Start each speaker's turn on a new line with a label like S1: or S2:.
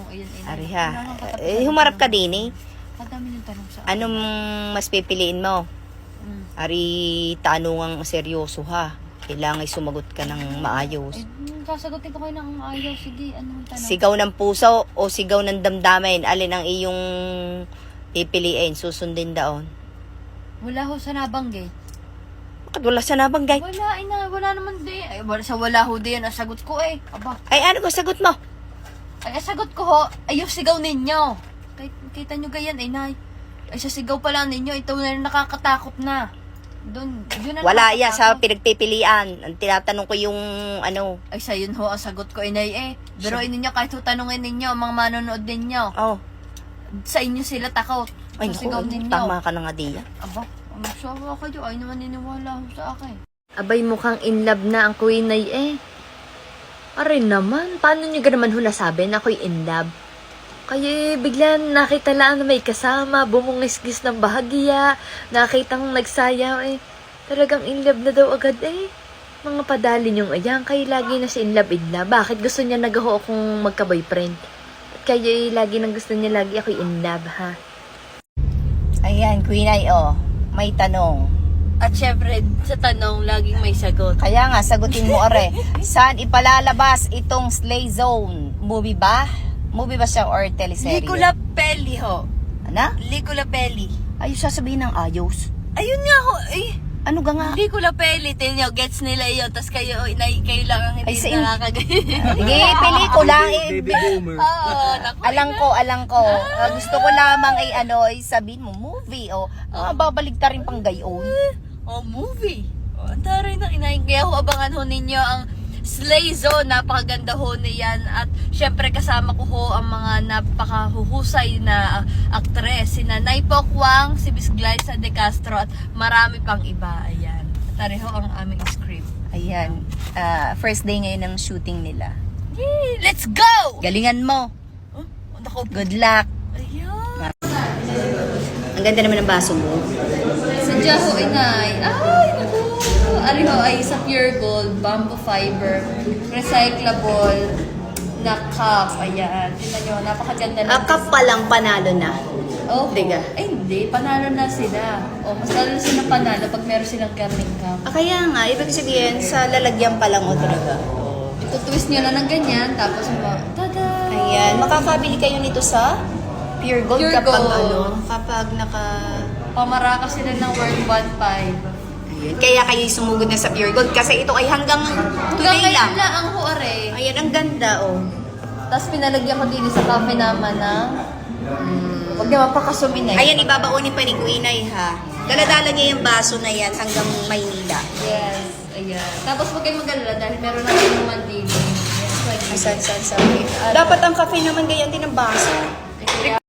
S1: Ayun,
S2: Ari ha. Humarap ka din eh.
S1: Madami yung tanong sa
S2: Anong mas pipiliin mo? Ari, tanungang seryoso ha. Kailangan sumagot ka ng maayos.
S1: Sasagutin ko kayo ng ayaw. Sige, anong tanong?
S2: Sigaw ng puso o sigaw ng damdamin? Alin ang iyong pipiliin? Susundin daon.
S1: Wala ho sa nabanggit.
S2: Bakit wala sa nabanggay?
S1: Wala naman din. Ay, wala ho din. Ang sagot ko eh. Aba.
S2: Ay, ano ko sagot mo?
S1: Ay, ang sagot ko ho, ay yung sigaw ninyo. Kita nyo gayan, Nay. Ay, sa sigaw pala ninyo, ito na rin nakakatakot na. Doon, yun na
S2: Wala yan sa
S1: nakakatakot.
S2: pinagpipilian. Ang tinatanong ko yung ano.
S1: Ay, sa yun ho, ang sagot ko, Nay eh. Pero ninyo, kahit ho tanungin ninyo, ang mga manonood ninyo,
S2: Oh.
S1: sa inyo sila takot.
S2: Ay,
S1: Sa sigaw
S2: naku,
S1: ninyo.
S2: tama ka na nga diyan.
S1: Aba, ang sawa kayo, ay naman niniwala ho sa akin.
S3: Abay, mukhang in love na ang Queen Ay eh. Aray naman, paano nyo naman hula sabi na ako'y in love? Kaya bigla nakita lang na may kasama, bumungis-gis ng bahagya, nakitang nagsayaw eh. Talagang in love na daw agad eh. Mga padali yung ayan, kaya lagi na si in love. Bakit gusto niya nagaho akong magka-boyfriend? At kaya lagi nang gusto niya lagi ako'y in love ha.
S2: Ayan, Queen Ay, oh. May tanong.
S1: At syempre, sa tanong, laging may sagot.
S2: Kaya nga, sagutin mo, are. Saan ipalalabas itong Slay Zone? Movie ba? Movie ba siya or teleserye?
S1: Licola Pelli ho.
S2: Ano?
S1: Licola Pelli.
S2: Ayos sasabihin ng ayos.
S1: Ayun nga ho, eh.
S2: Ano ga nga?
S1: Licola Pelli, tingnan nyo, gets nila yun. Tapos kayo, kayo lang ang hindi
S2: Ay, sa
S1: nakakagay.
S2: Sige, pelikula.
S4: Baby boomer.
S1: Oo, naku.
S2: Alang ko. Gusto ko lamang ay sabihin mo, movie. O, babalik ta rin pang gayon.
S1: Oh, movie. Oh, ang taray ng inahin. Kaya ho, abangan ho ninyo ang Slay Zone. Napakaganda ho niyan. At syempre kasama ko ho ang mga napakahuhusay na aktres. Sina Nay Pokwang, si Miss Glyza De Castro at marami pang iba. Ayan. Tari ho ang aming script.
S2: Ayan. First day ngayon ng shooting nila.
S1: Yay! Let's go!
S2: Galingan mo.
S1: Oh, naku.
S2: Good luck.
S1: Ayan.
S2: Ang ganda naman ng baso mo.
S1: Sadya ho, inay. Ay, naku. Ari ho ay sa pure gold, bamboo fiber, recyclable na cup. Ayan. Tingnan nyo, napakaganda lang.
S2: Cup pa lang panalo na.
S1: Oh,
S2: Diga.
S1: Ay, hindi. Panalo na sila. Oh, mas lalo sila panalo pag meron silang karning cup.
S2: Kaya nga, ibig sabihin, sa lalagyan pa lang o talaga.
S1: Tutwist nyo na ng ganyan, tapos tada!
S2: Ayan, makakabili kayo nito sa Pure Gold
S1: Pure
S2: kapag
S1: Gold.
S2: kapag
S1: Pamaraka sila ng worth 1.5.
S2: Ayun, kaya kayo sumugod na sa Pure Gold kasi ito ay hanggang today lang.
S1: Hanggang ang huare.
S2: Ayan, ang ganda oh.
S1: Tapos pinalagyan ko din sa cafe naman na huwag niya mapakasumin eh.
S2: Ayan, ibabaonin pa ni Queen Ay ha. Daladala niya yung baso na yan hanggang Maynila.
S1: Yes, ayan. Tapos huwag kayong mag-alala dahil meron na kayong mandili. Yes,
S2: San. Dapat ang cafe naman ganyan din ang baso.